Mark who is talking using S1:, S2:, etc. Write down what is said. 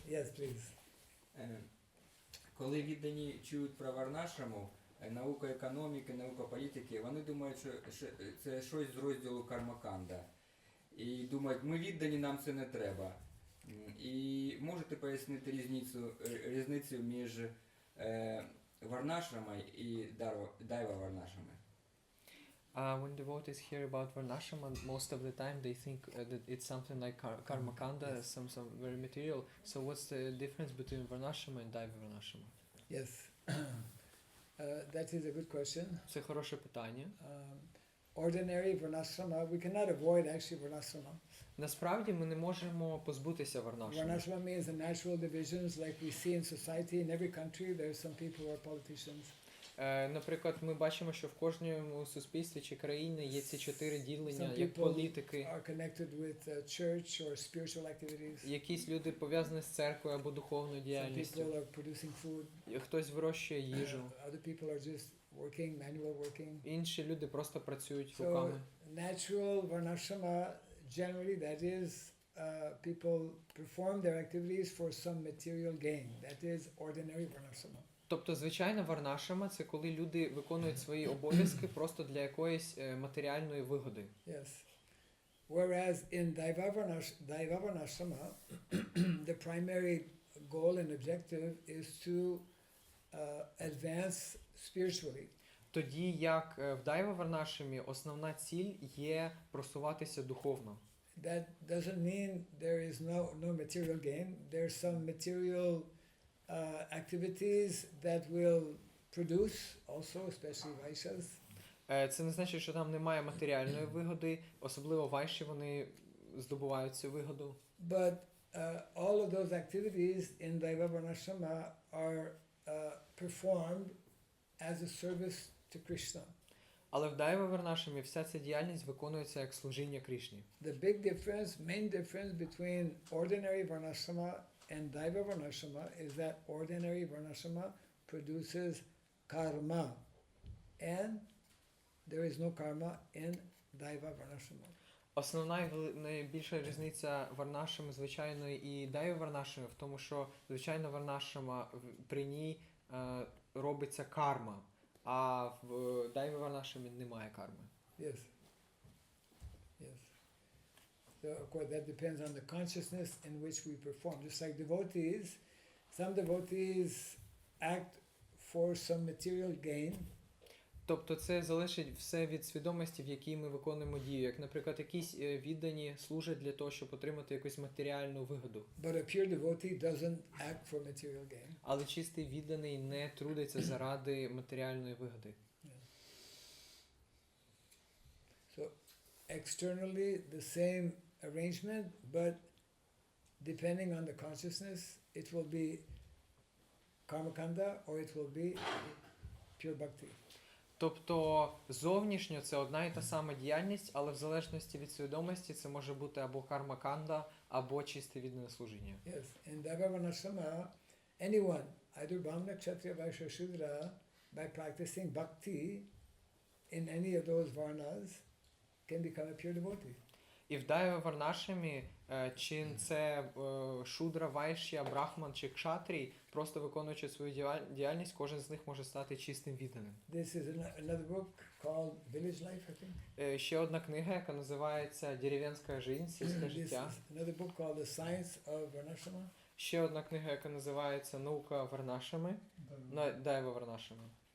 S1: Yes, please.
S2: Коли віддані чують про Варнашраму, наука економіки, наука політики, вони думають, що це щось з розділу Кармаканда. І думають, ми віддані, нам це не треба. І можете пояснити різницю між Варнашрамою і Дайва Варнашрамою?
S3: When devotees hear about Varnashrama, most of the time they think that it's something like Karmakanda, some very material. So what's the difference between Varnashrama and Daiva Varnashrama?
S1: Yes. That is a good question.
S3: Це хороше питання.
S1: Ordinary Varnashrama, we cannot avoid actually Varnashrama.
S3: Насправді ми не можемо позбутися Варнашрами.
S1: Varnashrama means the natural divisions like we see in society. In every country there are some people who are politicians.
S3: Наприклад, ми бачимо, що в кожному суспільстві чи країні є ці 4 ділення, як політики.
S1: Are connected with church or spiritual activities.
S3: Якісь люди пов'язані з церквою або духовною
S1: Some
S3: діяльністю.
S1: people are producing food.
S3: Хтось вирощує їжу.
S1: Other people are just working, manual working.
S3: Інші люди просто працюють
S1: So
S3: руками.
S1: natural Varnashrama, generally that is people perform their activities for some material gain. That is ordinary Varnashrama.
S3: Тобто, звичайна Варнашрама – це коли люди виконують свої обов'язки просто для якоїсь матеріальної вигоди.
S1: Yes. Whereas in Daiva Varnashrama, the primary goal and objective is to advance spiritually.
S3: Тоді як в Дайва Варнашрамі основна ціль є просуватися духовно.
S1: That doesn't mean there is no material gain. There's some material activities that will produce also, especially Vaishyas.
S3: Це не значить, що там немає матеріальної вигоди, особливо вайші вони здобувають цю вигоду.
S1: But all of those activities in Daiva Varnashrama are performed as a service to Krishna.
S3: Але в Дайва Варнашрамі вся ця діяльність виконується як служіння Кришні.
S1: The big difference, main difference between ordinary Varnashrama and Daiva Varnashrama is that ordinary Varnashrama produces karma, and there is no karma in Daiva Varnashrama.
S3: Основна і найбільша різниця Варнашрами звичайної і Дайва Варнашрами в тому, що звичайна Варнашрама при ній робиться карма, а в Дайва Варнашрамі немає карми.
S1: Yes. Yes. So of course that depends on the consciousness in which we perform. Just like devotees, some devotees act for some material gain.
S3: Тобто це залежить все від свідомості, в якій ми виконуємо дію. Як, наприклад, якісь віддані служать для того, щоб отримати якусь матеріальну вигоду.
S1: But a pure devotee doesn't act for material gain.
S3: Але чистий відданий не трудиться заради матеріальної вигоди.
S1: So externally the same arrangement, but depending on the consciousness, it will be karmakanda or it will be pure bhakti.
S3: Тобто зовнішньо це одна і та сама діяльність, але в залежності від свідомості це може бути або карма-канда, або чисте віддане служіння.
S1: Yes, in Daiva Varnashrama, anyone, either Brahmana, Kshatriya, Vaishya, Shudra, by practicing bhakti in any of those varnas, can become a pure devotee.
S3: І в Дайва Варнашрамі, чи це шудра, вайшя, брахман чи кшатрій, просто виконуючи свою діяльність, кожен з них може стати чистим відданим.
S1: This is another book called Village Life, I think.
S3: Ще одна книга, яка називається «Дерев'янська жизнь», сільське
S1: This
S3: життя.
S1: is another book called The Science of Varnashrama.
S3: Ще одна книга, яка називається «Наука Варнашрами», Дайва Варнашрами.